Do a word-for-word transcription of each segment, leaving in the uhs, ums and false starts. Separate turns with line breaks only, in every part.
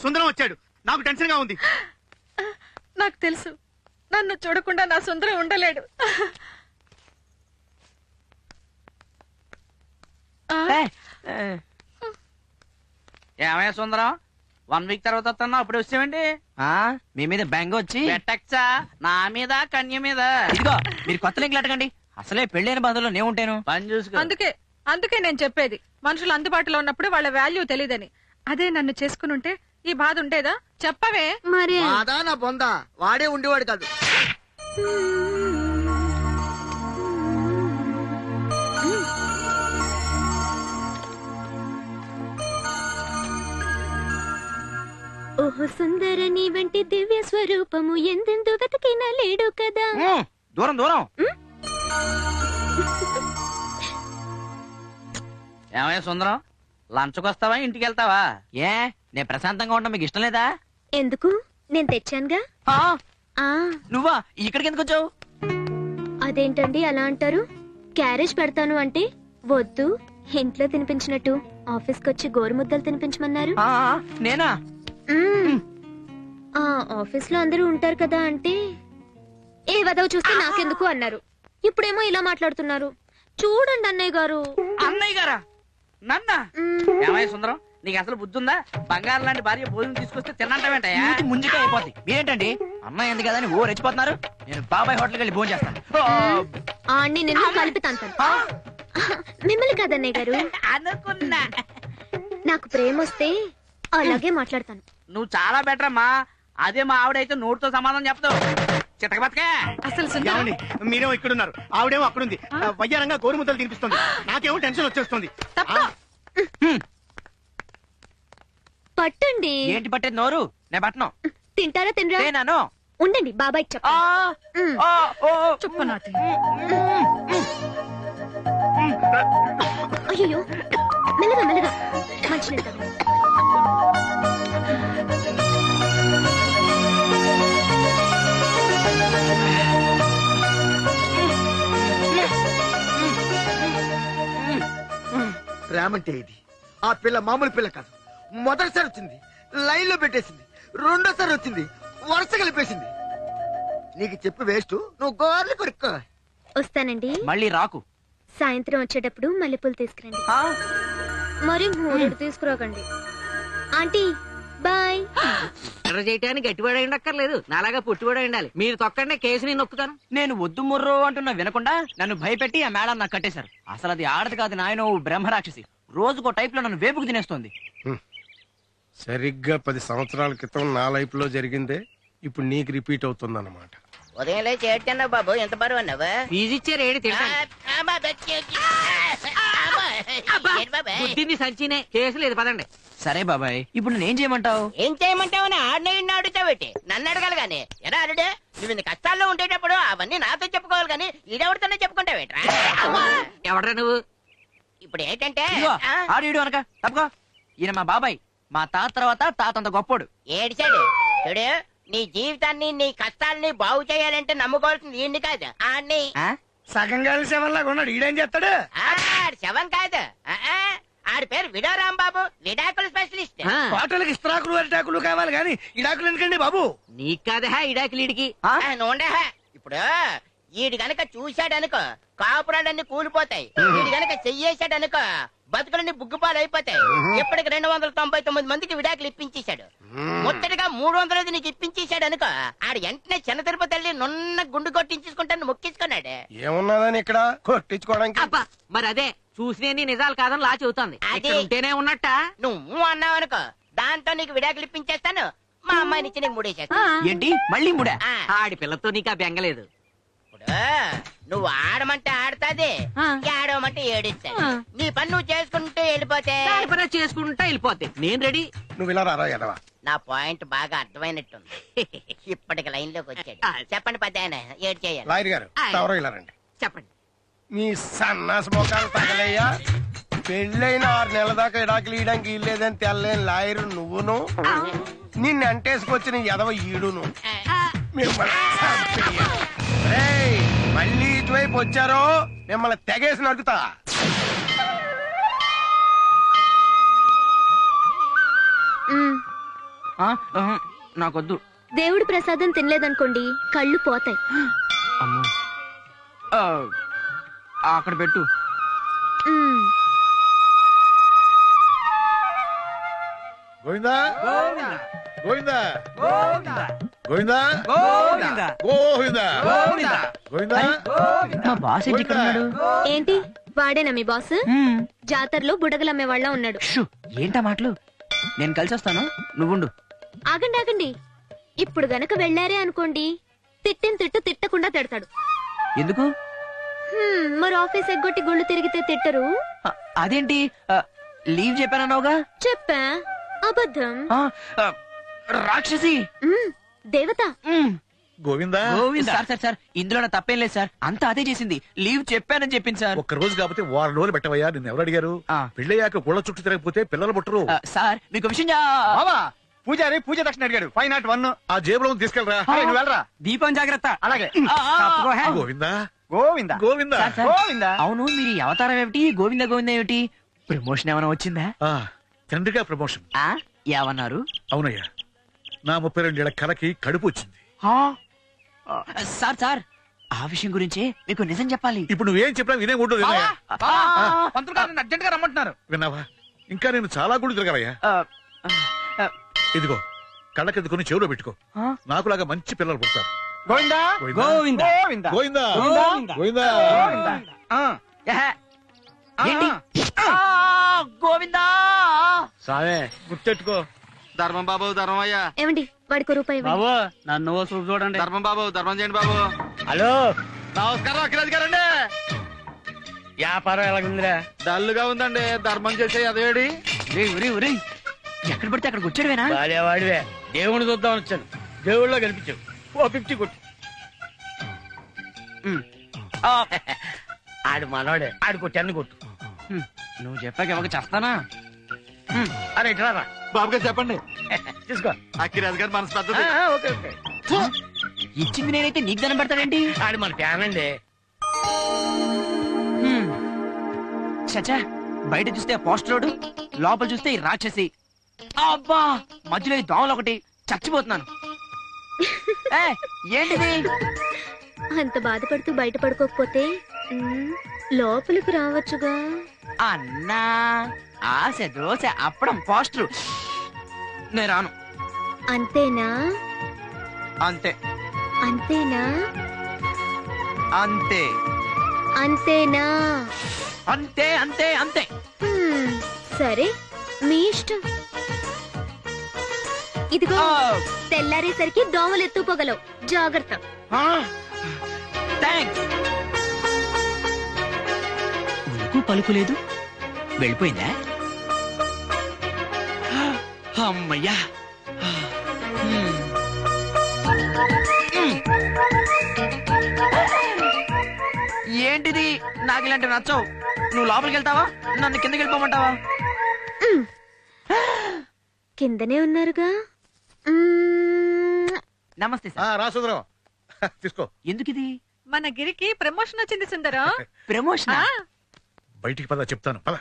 సుందరం వచ్చాడు. నాకు టెన్షన్ గా ఉంది.
నాకు తెలుసు, నన్ను చూడకుండా నా సుందరం ఉండలేడు.
ఏమయ్యా సుందరం, వన్ వీక్ తర్వాత వస్తున్నా, అప్పుడు వచ్చామండి.
మీ మీద బెంగ వచ్చి
పెట్టచ్చా నా మీద కన్య మీద.
ఇదిగో మీరు కొత్త లింకులు అడగండి. అసలే పెళ్ళైన బాధలో నేను ఉంటాను.
పని చూసుకో.
అందుకే అందుకే నేను చెప్పేది, మనుషులు అందుబాటులో ఉన్నప్పుడు వాళ్ళ వాల్యూ తెలియదని. అదే నన్ను చేసుకుని ఉంటే ఈ బాధ ఉండేదా? చెప్పవే.
మరి
బాధా నా బొందా, వాడే ఉండేవాడు కాదు.
ఓహో సుందర నీ వంటి దివ్య స్వరూపము ఎందెందు వెతకినా లేడు కదా.
దూరం దూరం.
ఏమయ్యా సుందరం, లంచ్కి వస్తావా ఇంటికి వెళ్తావా?
ఏ నేను ప్రశాంతంగా ఉండడం మీకు ఇష్టం లేదా?
ఎందుకు, నేను తెచ్చానుగా.
ఆ,
ఆ
నువ్వా ఇక్కడికి ఎందుకు వచ్చావు?
అదేంటండి అలా అంటారు? క్యారేజ్ పెడతాను అంటే వద్దు, ఇంట్లో తినిపించినట్టు ఆఫీస్కి వచ్చి గోరుముద్దలు తినిపించమన్నారు.
ఆ, నేనా?
మ్మ్. ఆ ఆఫీస్ లో అందరూ ఉంటారు కదా అంటే ఏ వదవ చూస్తే నాకెందుకు అన్నారు. ఇప్పుడేమో ఇలా మాట్లాడుతున్నారు. చూడండి అన్నయ్య గారు.
అన్నయ్య గారా? నన్న
మ్మ్.
ఏమయ్య సుందరం, నీకు అసలు బుద్ధి ఉందా? బంగారం లాంటి భార్య భోజనం తీసుకొస్తే తినంటావేంటయ్యా?
ఇంటి ముందుకే అయిపోద్ది. మీరేంటండి అమ్మాయి ఎందుకు కదా అని ఓ రెచ్చిపోతున్నారు. నేను బాబాయ్ హోటల్కి వెళ్ళి భోజనం చేస్తాను.
ఆ అన్ని నిన్ను కలిపి తంతాను. మిమ్మల్ని కాదన్నయ్య గారు,
అనుకున్నా.
నాకు ప్రేమ వస్తే అలాగే మాట్లాడతాను.
నువ్వు చాలా బెటర్ అమ్మా. అదే మా ఆవిడైతే నోటితో సమాధానం చెప్తావు. చితక బతకే.
అసలు సుందరం
ఏమండి, మీరేమో ఇక్కడున్నారు, ఆవిడేమో అక్కడుంది. వయ్యారంగా గోరుముద్దలు తినిపిస్తుంది. నాకేమో టెన్షన్ వచ్చేస్తుంది.
తప్ప.
పట్టండి.
ఏంటి పట్టేది నోరు? నేను పట్టను.
తింటారా తినరా?
నేనాను.
ఉండండి బాబాయ్
ఆ,
చెప్పండి.
ఆ, ఓ, ఓ.
చుప్పు నాటి.
అయ్యో మెల్లగా మెల్లగా మంచినీళ్ళు తాగు.
ప్రేమంటే ఇది. ఆ పిల్ల మామూలు పిల్ల కాదు. మొదటిసారి వచ్చింది, లైన్ లో పెట్టేసింది. రెండోసారి వచ్చింది, వరుస కలిపేసింది. నీకు చెప్పి వేస్ట్, నువ్వు గోర్లు కొరుక్కో.
వస్తానండి.
మళ్ళీ రాకు.
సాయంత్రం వచ్చేటప్పుడు మల్లెపూలు తీసుకురండి.
ఆ,
మరి మూడు తీసుకురాకండి. Aunty bye.
ఎర్ర చేయటానికి గట్టివాడ ఉండక్కర్లేదు, నాలాగా పుట్టివాడ ఉండాలి. మీరు తొక్కండి, కేసు నేను నొక్కుతాను.
నేను వద్దు ముర్రో అంటున్నా వినకుండా నన్ను భయపెట్టి ఆ మేడం నాకు కట్టేశారు. అసలు అది ఆడది కాదు నాయన, బ్రహ్మరాక్షసి. రోజుకో టైప్ లో నన్ను వేపుకు తినేస్తోంది.
సరిగ్గా పది సంవత్సరాల క్రితం నా లైఫ్ లో జరిగిందే ఇప్పుడు నీకు రిపీట్ అవుతుంది అన్నమాట.
ఉదయం లేచి ఏడ్చన్నావు బాబు, ఎంత బరువు అన్నావు?
ఫీజు ఇచ్చారు ఏడు తింటాను. బుద్ధింది సంచినే, కేసు లేదు పదండి.
సరే బాబాయ్, ఇప్పుడు నేనేం చేయమంటావు?
ఏం చేయమంటావని ఆడిన ఇన్ని అడుగుతావేటి? నన్ను అడగాలి గాని. ఎలా అడుడే? నువ్వు ఇంత కష్టాల్లో ఉండేటప్పుడు అవన్నీ నాతో చెప్పుకోవాలి గాని ఈడెవరితోనే చెప్పుకుంటావేట్రా?
ఎవడ్రా నువ్వు?
ఇప్పుడు ఏంటంటే
ఇదిగో,
ఆ,
ఆడు ఈడు అనక తప్పుకో. ఈయన మా బాబాయ్, మా తాత తర్వాత తాత అంత గొప్పోడు.
ఏడిచాడు చూడు. నీ జీవితాన్ని నీ కష్టాలని బాగు చేయాలంటే నమ్ముకోవాల్సింది ఈయన్ని కాదు, ఆడిని.
ఆ?
సగం కలిసి ఎవరిలాగా ఉన్నాడు. ఈడేం చేస్తాడు?
ఆడి శవం కాదు, ఆ, ఆ, ఆడి పేరు విడో రాంబాబు, విడాకుల స్పెషలిస్ట్.
ఆ,
హోటల్కి ఇస్త్రాకులు అరిటాకులు కావాలి కానీ ఇడాకులు ఎందుకండి బాబు?
నీకు కాదా ఇడాకిలీడికి?
ఆ?
ఆ, నూనె. ఇప్పుడు ఈడు గనక చూశాడనుకో కాపురాలన్నీ కూలిపోతాయి. ఈడు గనక చెయ్యేశాడనుకో బతుకులన్నీ బుగ్గుపాలు అయిపోతాయి. ఇప్పటికి రెండు వందల తొంభై తొమ్మిది మందికి విడాకులు ఇప్పించేశాడు. ముట్టడిగా మూడు వందలది నీకు ఇప్పించేశాడు అనుకో, ఆడు వెంటనే చిన్న తిరుపతి వెళ్ళి నున్న గుండు కొట్టించుకుంటాను మొక్కించుకున్నాడు.
ఏమున్నదని ఇక్కడ కొట్టించుకోవడానికి?
అబ్బా, మరి అదే చూసినే నిజాలు కాదని లా చెబుతాంది.
అది-
ఇక్కడ ఉంటేనే ఉన్నట్ట.
నువ్వు అన్నావు అనుకో, దాంతో నీకు విడాకులు ఇప్పించేస్తాను, మా అమ్మాయిని ఇచ్చి నీకు మూడేసేస్తాను.
ఏంటి మళ్ళీ ముడా?
ఆ,
ఆడి పిల్లతో నీకు ఆ బెంగలేదు.
ఇప్పుడు నువ్వు ఆడమంటే ఆడతాది,
ఆ.
ఏడవమంటే ఏడిస్తాది.
ఆ.
నీ పని నువ్వు చేసుకుంటూ వెళ్ళిపోతే
దాని పని అది చేసుకుంటా వెళ్ళిపోద్ది. నేను రెడీ.
నువ్వు ఇలా రారా ఎడవా.
నా పాయింట్ బాగా అర్థమైనట్టుంది. ఇప్పటికి లైన్ లోకి వచ్చాడు.
ఆ.
చెప్పండి పెద్ద ఆయన, ఏడు చేయాలి.
లాయర్ గారు
ఆయ్.
ఎవరో ఇలా రండి.
చెప్పండి.
మీ సన్నాస మోకాలు తగలయ్యా. పెళ్ళైన ఆరు నెలల దాకా ఇడాకులు ఇయడానికి ఇల్లేదని తెల్లేని లాయరు నువ్వును, నిన్ను అంటేసుకొచ్చిన ఎదవ ఈడును. మిమ్మల్ని చంపేయ. రేయ్, మళ్ళీ ఇటువైపు వచ్చారో మిమ్మల్ని తెగేసి నడుకుతా.
మ్మ్.
ఆ, ఆహా, నాకొద్దు.
దేవుడి ప్రసాదం తినలేదనుకోండి కళ్ళు పోతాయి.
అమ్మో. ఆ, అక్కడ పెట్టు.
మ్మ్.
గోవిందా గోవిందా
గోవిందా.
గోవిందా గోవిందా గోవిందా
మా బాస్ ఏంటి ఇక్కడ ఉన్నాడు?
ఏంటి వాడేనా మీ బాస్?
హ్మ్.
జాతరలో బుడగలమ్మే వాళ్ళ ఉన్నాడు.
షూ, ఏంటా మాటలు? నేను కలిసి వస్తాను, నువ్వుండు.
ఆగండి ఆగండి, ఇప్పుడు గనక వెళ్ళారే అనుకోండి తిట్టిన తిట్టు తిట్టకుండా తిడతాడు.
ఎందుకు?
హ్మ్, మరి ఆఫీస్ ఎగ్గొట్టి గుళ్ళు తిరిగితే తిట్టరు.
ఆ, అదేంటి ఆ, లీవ్ చెప్పానన్నావుగా?
చెప్పా, అబద్ధం.
ఆ, ఆ, రాక్షసి.
మ్మ్, దేవత.
మ్మ్.
గోవిందా
సార్ సార్ సార్ ఇందులో నా తప్పేం లేదు సార్, అంతా అదే చేసింది. లీవ్ చెప్పానని చెప్పింది సార్.
ఒక్క రోజు కాకపోతే వారం రోజులు పెట్టవయ్యా. నిన్ను ఎవరు అడిగారు?
ఆ.
పెళ్ళయ్యాక గుళ్ళ చుట్టూ తిరగకపోతే పిల్లలు పుట్టరు.
ఆ, సార్ మీకు విషయం చా-
బావా పూజారి పూజ దక్షిణ అడిగాడు ఫైవ్ నాట్ వన్.
ఆ జేబులో ఉంది, తీసుకెళ్ళరా.
నువ్వు వెళ్ళరా.
దీపం జాగ్రత్త.
అలాగే
ఆ, ఆ,
గోవిందా
గోవిందా
గోవిందా
సార్, సార్.
గోవిందా.
అవును, మీరు ఈ అవతారం ఏమిటి? గోవింద గోవింద ఏమిటి? ప్రమోషన్ ఏమైనా వచ్చిందా?
ఆ, తండ్రిగా ప్రమోషన్.
ఆ ఏమన్నారు?
అవునయ్యా, నా ముప్పై రెండేళ్ల కలకి కడుపు వచ్చింది.
ఆ, ఆ, సార్ సార్ ఆ విషయం గురించి మీకు నిజం చెప్పాలి.
ఇప్పుడు నువ్వేం చెప్పినా వినే ఉండు. వినయ్యా.
పంతులు గారు అర్జెంట్ గా రమ్మంటున్నారు.
విన్నావా? ఇంకా నేను చాలా గుళ్ళు తిరగలయ్యా.
ఆ, ఆ,
ఇదిగో కళ్ళకెద్దుకుని చెవులో పెట్టుకో.
ఆ?
నాకులాగా మంచి పిల్లలు పుడతారు.
గోవిందా
గోవిందా
గోవిందా
గోవిందా
గోవిందా.
గోవిందా
గోవిందా. ఆ,
ఏహే,
ఆ,
ఏంటి?
ఆ.
ఆ, గోవిందా.
సావే గుర్తెట్టుకో.
ధర్మం బాబు ధర్మం అయ్యా.
ఏమండి వాడికి రూపాయి ఇవ్వండి.
బాబు నన్ను చూపు చూడండి.
ధర్మం బాబు ధర్మం చేయండి బాబు.
హలో
నమస్కారం అఖిరాజ్ గారండి.
వ్యాపారం ఎలాగుందిరా?
డల్లుగా ఉందండి. ధర్మం చేసే అదేడి.
ఒరేయ్, ఒరేయ్, ఒరేయ్, ఎక్కడ పడితే అక్కడికి వచ్చాడువేనా?
వాడేవాడివే, దేవుని చూద్దామని వచ్చాను. దేవుళ్ళో కనిపించావు. ఓ ఫిఫ్టీ కొట్టు.
ఆ,
ఆడు మనోడే, ఆడు కొట్టి అన్ని కొట్టు.
హ్మ్, నువ్వు చెప్పాక ఎవరికి చేస్తానా?
అరే ఇట్లా
బాబు గారు చెప్పండి.
తీసుకో.
అఖిరాజ్ గారు మనసు
ఆ,
పెద్దది.
ఆ, ఓకే ఓకే.
ఇచ్చింది నేనైతే నీకు దండం పెడతాడేంటి?
ఆడు మన ఫ్యాన్ అండి.
హ్మ్. చచ్చా, బయట చూస్తే పోస్టర్ రోడ్, లోపల చూస్తే ఈ రాక్షసి. అబ్బా, మధ్యలో ఈ దోమలు ఒకటి, చచ్చిపోతున్నాను. ఏ, ఏంటిది?
అంత బాధపడుతూ బయట పడుకోకపోతే మ్మ్, లోపలికి రావచ్చుగా.
అన్నా, ఆశ దోశ అప్పడం పోస్టర్. నేను రాను.
అంతేనా
అంతే
అంతేనా
అంతే
అంతేనా
అంతే అంతే అంతే.
హ్మ్, సరే మీ ఇష్టం. ఇదిగో
ఆ,
తెల్లారేసరికి దోమలు ఎత్తుపోగలవు, జాగ్రత్త.
ఆ, థాంక్స్. ఉలుకు పలుకులేదు, వెళ్ళిపోయిందా? అమ్మయ్యా. హ్మ్. హ్మ్. ఏంటిది? నాకు ఇలాంటి నచ్చవు. నువ్వు లోపలికి వెళ్తావా, నన్ను కిందకి వెళ్ళిపోమంటావా?
మ్మ్. కిందనే ఉన్నారుగా. మ్మ్.
నమస్తే
ఆ,
సార్.
రా సుందరం. తీసుకో.
ఎందుకు ఇది?
మన గిరికి ప్రమోషన్ వచ్చింది సుందరం.
ప్రమోషన్?
ఆ,
బయటికి పద, చెప్తాను పద.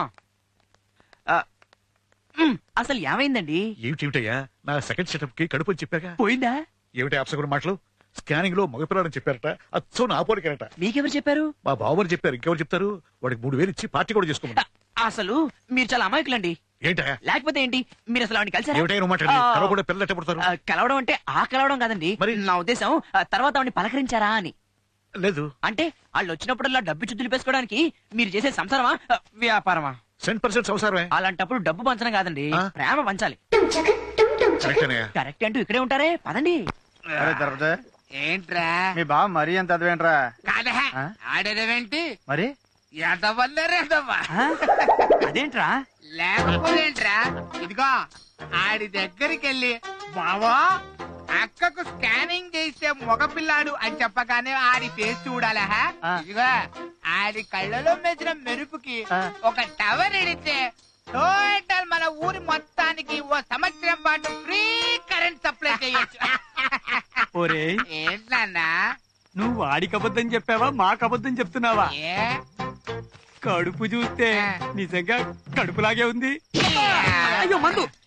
అసలు ఏమైందండి?
ఏమిటేమిటయ్యా, నా సెకండ్ సెటప్ కి కడుపు అని చెప్పాక.
పోయిందా?
ఏమిటి అప్సగుడు మాటలు? స్కానింగ్ లో మగపిల్లాడని చెప్పారట. అచ్చం నా పోలికరట.
మీకెవరు చెప్పారు?
మా బావని చెప్పారు. ఇంకెవరు చెప్తారు? వాడికి మూడు వేలు ఇచ్చి పార్టీ కూడా చేసుకోమని.
అసలు మీరు చాలా అమాయకులండి.
ఏంటయ్యా?
లేకపోతే ఏంటి, మీరు అసలు ఆవిడని కలిసారా?
ఏమిటయ్యా నువ్వు మాట్లాడి?
ఆ,
కలవ కూడా పిల్లలు ఎట్ట పుడతారు?
ఆ, కలవడం అంటే ఆ కలవడం కాదండి.
మరి?
నా ఉద్దేశం ఆ, తర్వాత ఆవిడని పలకరించారా అని.
లేదు.
అంటే వాళ్ళు వచ్చినప్పుడల్లా డబ్బు చుద్దులు పేసుకోవడానికి మీరు చేసే సంసారమా, ఆ, వ్యాపారమా?
సెంట్ పర్సెంట్ అవసరమే.
అలాంటప్పుడు డబ్బు పంచడం కాదండి,
ఆ?
ప్రేమ పంచాలి.
కరెక్టేనయ్యా.
కరెక్ట్ అంటూ ఇక్కడే ఉంటారే, పదండి.
అరే దొరకదే,
ఏంట్రా
మీ బావ మరీ అంత అదవేంట్రా?
కాదా
ఆ?
ఆడేదేంటి?
మరి
ఎదవల్లరేదవ్వా
అదేంట్రా?
లేకపోతేంట్రా, ఇదిగో ఆడి దగ్గరికి వెళ్ళి బావా అక్కకు స్కానింగ్ చేసే మగపిల్లాడు అని చెప్పగానే ఆడి ఫేస్ చూడాలా?
ఆ.
ఇదిగో ఆడి కళ్ళలో మెచ్చిన మెరుపుకి
ఆ.
ఒక టవర్ ఎడితే టోటల్ మన ఊరి మొత్తానికి ఓ సంవత్సరం పాటు ఫ్రీ కరెంట్ సప్లై చేయొచ్చు.
ఒరేయ్,
ఏంటన్నా?
నువ్వు వాడికి అబద్ధం చెప్పావా, మాకు అబద్ధం చెప్తున్నావా?
ఏ
కడుపు చూస్తే నిజంగా కడుపులాగే ఉంది.
అయ్యో మందు